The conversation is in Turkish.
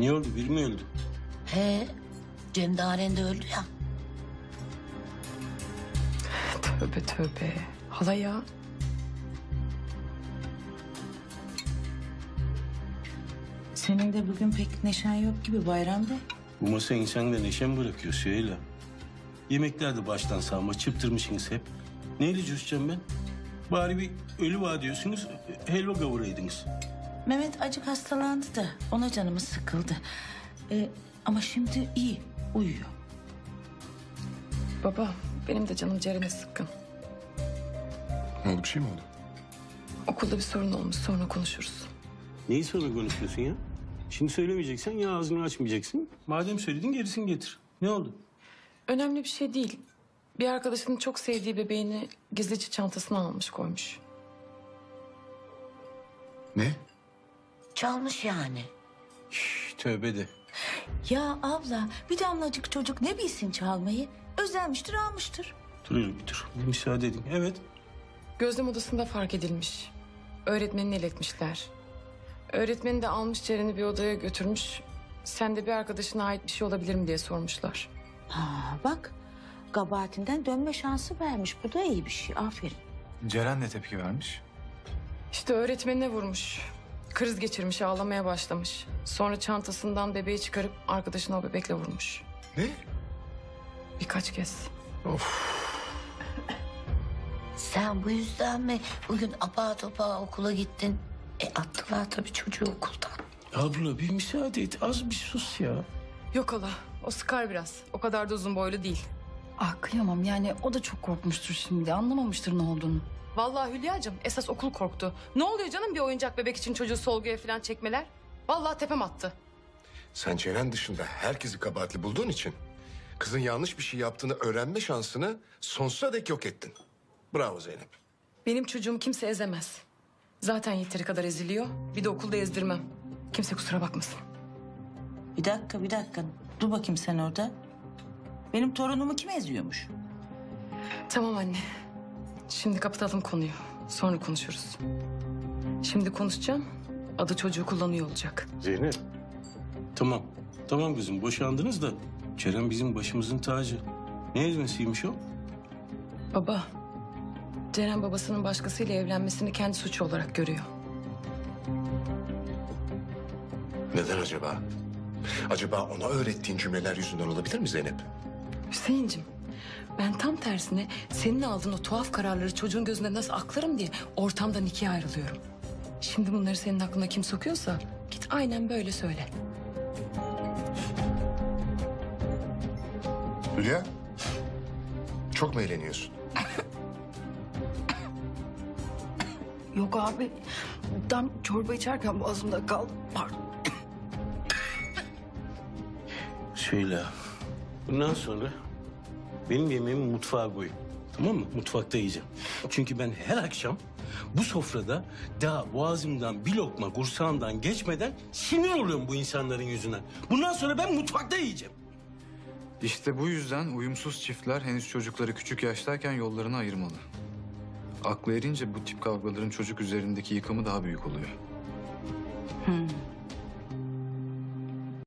Niye oldu? Biri mi öldü? He, Cem Daren de öldü ya. Tövbe tövbe. Hala ya. Senin de bugün pek neşen yok gibi bayramda. Bu masa insanda neşe mi bırakıyor Süheyla? Yemeklerde baştan sağma çıptırmışsınız hep. Neyle coşacağım ben? Bari bir ölü var diyorsunuz, helva kavuraydınız. Mehmet acık hastalandı da ona canımız sıkıldı. Ama şimdi iyi, uyuyor. Baba benim de canım Ceren'e sıkkın. Ne oldu, bir şey mi oldu? Okulda bir sorun olmuş, sonra konuşuruz. Neyi sonra konuşuyorsun ya? Şimdi söylemeyeceksen ya ağzını açmayacaksın. Madem söyledin gerisini getir. Ne oldu? Önemli bir şey değil. Bir arkadaşının çok sevdiği bebeğini gizlice çantasına almış koymuş. Ne? Çalmış yani. Şş, tövbe de. Ya abla bir damlacık çocuk ne bilsin çalmayı? Özenmiştir almıştır. Dur bir dur. Bir müsaade edin. Evet. Gözlem odasında fark edilmiş. Öğretmenini iletmişler. Öğretmeni de almış Ceren'i bir odaya götürmüş. Sen de bir arkadaşına ait bir şey olabilir mi diye sormuşlar. Ha, bak kabahatinden dönme şansı vermiş. Bu da iyi bir şey. Aferin. Ceren ne tepki vermiş? İşte öğretmenine vurmuş. Kriz geçirmiş, ağlamaya başlamış. Sonra çantasından bebeği çıkarıp arkadaşına o bebekle vurmuş. Ne? Birkaç kez. Sen bu yüzden mi bugün apar topar okula gittin? Attılar tabii çocuğu okuldan. Abla bir müsaade et. Az bir sus ya. Yok hala, o sıkar biraz. O kadar da uzun boylu değil. Ah kıyamam yani o da çok korkmuştur şimdi. Anlamamıştır ne olduğunu. Vallahi Hülya'cığım esas okul korktu. Ne oluyor canım bir oyuncak bebek için çocuğu sorguya falan çekmeler? Vallahi tepem attı. Sen Ceren dışında herkesi kabahatli bulduğun için kızın yanlış bir şey yaptığını öğrenme şansını sonsuza dek yok ettin. Bravo Zeynep. Benim çocuğum kimse ezemez. Zaten yeteri kadar eziliyor. Bir de okulda ezdirmem. Kimse kusura bakmasın. Bir dakika. Dur bakayım sen orada. Benim torunumu kim eziyormuş? Tamam anne. Şimdi kapatalım konuyu. Sonra konuşuruz. Şimdi konuşacağım. Adı çocuğu kullanıyor olacak. Zeynep. Tamam. Tamam kızım boşandınız da Ceren bizim başımızın tacı. Ne ezmesiymiş o? Baba, Ceren babasının başkasıyla evlenmesini kendi suçu olarak görüyor. Neden acaba? Acaba ona öğrettiğin cümleler yüzünden olabilir mi Zeynep? Hüseyin'cim, ben tam tersine senin aldığın o tuhaf kararları çocuğun gözünde nasıl aklarım diye ortamdan ikiye ayrılıyorum. Şimdi bunları senin aklına kim sokuyorsa git aynen böyle söyle. Hülya, çok mu eğleniyorsun? Yok abi tam çorba içerken boğazımda kaldı. Pardon. Şöyle. Bundan sonra benim yemeğimi mutfağa koy. Tamam mı? Mutfakta yiyeceğim. Çünkü ben her akşam bu sofrada daha boğazımdan bir lokma kursağımdan geçmeden sinir oluyorum bu insanların yüzünden. Bundan sonra ben mutfakta yiyeceğim. İşte bu yüzden uyumsuz çiftler henüz çocukları küçük yaştayken yollarını ayırmalı. Aklı erince bu tip kavgaların çocuk üzerindeki yıkımı daha büyük oluyor.